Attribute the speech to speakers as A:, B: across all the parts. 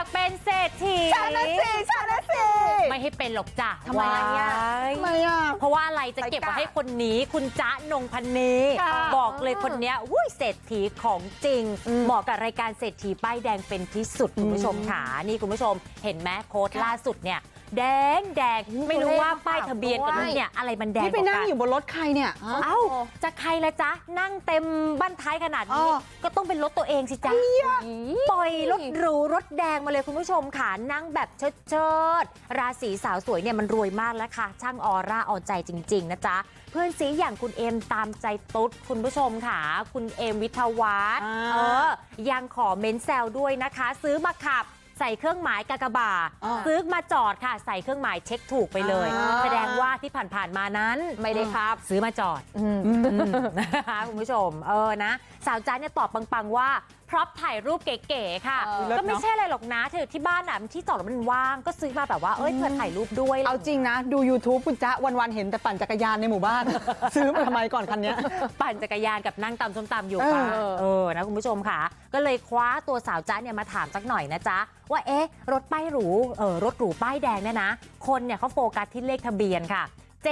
A: ากเป็นเศรษฐี
B: ฉันนะสิ
A: ไม่ให้เป็นหรอกจ้ะ
B: ทำไมอ่ะ
A: ว้าย
B: ทำไมอ่ะ
A: เพราะว่าอะไรจะเก็บไว้ให้คนนี้คุณจ๊ะนงพนี
B: ค่ะ
A: บอกเลยคนเนี้ยอุ้ยเศรษฐีของจริง เหมาะกับรายการเศรษฐีป้ายแดงเป็นที่สุดคุณผู้ชมค่ะนี่คุณผู้ชมเห็นไหมโค้ดล่าสุดเนี่ยแดงไม่รู้ว่าป้ายทะเบียนกับรุ่นเนี่ยอะไรมันแดง
B: นี่ไปนั่งอยู่บนรถใครเนี่ย
A: เอ้าจะใครละจ๊ะนั่งเต็มบ้านท้ายขนาดนี้
B: อ๋อ
A: ก็ต้องเป็นรถตัวเองสิจ๊ะปล่อยรถหรูรถแดงมาเลยคุณผู้ชมค่ะนั่งแบบเชิดราศีสาวสวยเนี่ยมันรวยมากแล้วค่ะช่างออร่าเอาใจจริงๆนะจ๊ะเพื่อนซีอย่างคุณเอมตามใจตุ๊ดคุณผู้ชมค่ะคุณเอมวิทยาวัฒน์ยังขอเม้นแซวด้วยนะคะซื้อมาขับใส่เครื่องหมายกากบาทซื้อมาจอดค่ะใส่เครื่องหมายเช็คถูกไปเลยแสดงว่าที่ผ่านมานั้นไม่ได้ครับซื้อมาจอดนะคะคุณผู้ชมนะสาวจ๊ะเนี่ยตอบปังๆว่าพร็อพถ่ายรูปเก๋ๆค่ะก็ไม่ใช่อะไรหรอกนะเธอที่บ้านอ่ะที่จอดรถมันว่างก็ซื้อมาแบบว่าเผื่อถ่ายรูปด้วย
B: เอาจริงนะดู YouTube คุณจ๊ะวันๆเห็นแต่ปั่นจักรยานในหมู่บ้าน ซื้อมาทำไมก่อนคันเนี้ย
A: ปั่นจักรยานกับนั่งตำส้มตำอยู่ค่ะนะคุณผู้ชมค่ะก็เลยคว้าตัวสาวจ๊ะเนี่ยมาถามสักหน่อยนะจ๊ะว่าเอ๊ะรถป้ายหรูรถหรูป้ายแดงเนี่ยนะคนเนี่ยเขาโฟกัสที่เลขทะเบียนค่ะ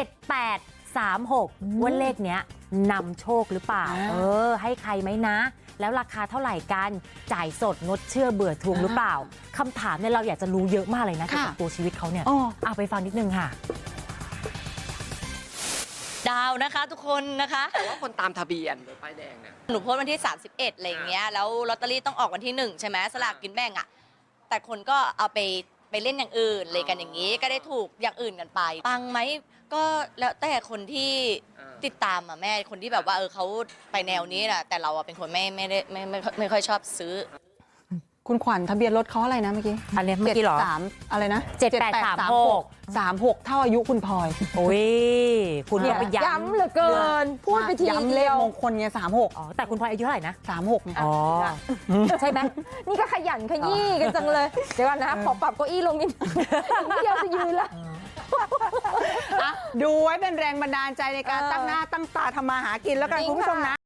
A: 7836ว่าเลขเนี้ยนำโชคหรือเปล่าให้ใครไหมนะแล้วราคาเท่าไหร่กันจ่ายสดงดเชื่อเบื่อทวงหรือเปล่าคำถามเนี่ยเราอยากจะรู้เยอะมากเลยนะเกี่ยวกับตัวชีวิตเขาเนี่ยเอาไปฟังนิดนึงค่ะ
C: ดาวนะคะทุกคนนะคะ
D: แต่ว่าคนตามทะเบียนรถป้ายแดงเนี่ย
C: หนูโพสต์วันที่ 31อะไรอย่างเงี้ยแล้วลอตเตอรี่ต้องออกวันที่ 1 ใช่ไหมสลากกินแบ่งอ่ะแต่คนก็เอาไปเล่นอย่างอื่นเลยกันอย่างนี้ก็ได้ถูกอย่างอื่นกันไปปังไหมก็แล้วแต่คนที่ติดตามอ่ะแม่คนที่แบบว่าเขาไปแนวนี้แหละแต่เราเป็นคนไม่ค่อยชอบซื้อ
B: คุณขวัญทะเบียนรถเขาอะไรนะเมื่อกี้
A: อันนี้เมื่อกี้เหรอ
B: 73อะไรนะ
A: 7836
B: เท่าอายุคุณพลอย
A: โอ้ยคุณก็ไปย้ำเหลือเกินพูดไปที
B: ย้ำเลขมงคลไง36
A: อ๋อแต่คุณพลอยอายุเท่าไหร่นะ
B: 36ไง
A: อ๋อใช่ไหม
E: นี่ก็ขยันขยี้กันจังเลย เดี๋ยวก่อนนะขอปรับเก้าอี้ลงนิดเดียวจะยืนแล้ว
B: ดูไว้เป็นแรงบันดาลใจในการตั้งหน้าตั้งตาทำมาหากินแล้วกันคุณผู้ชมนะ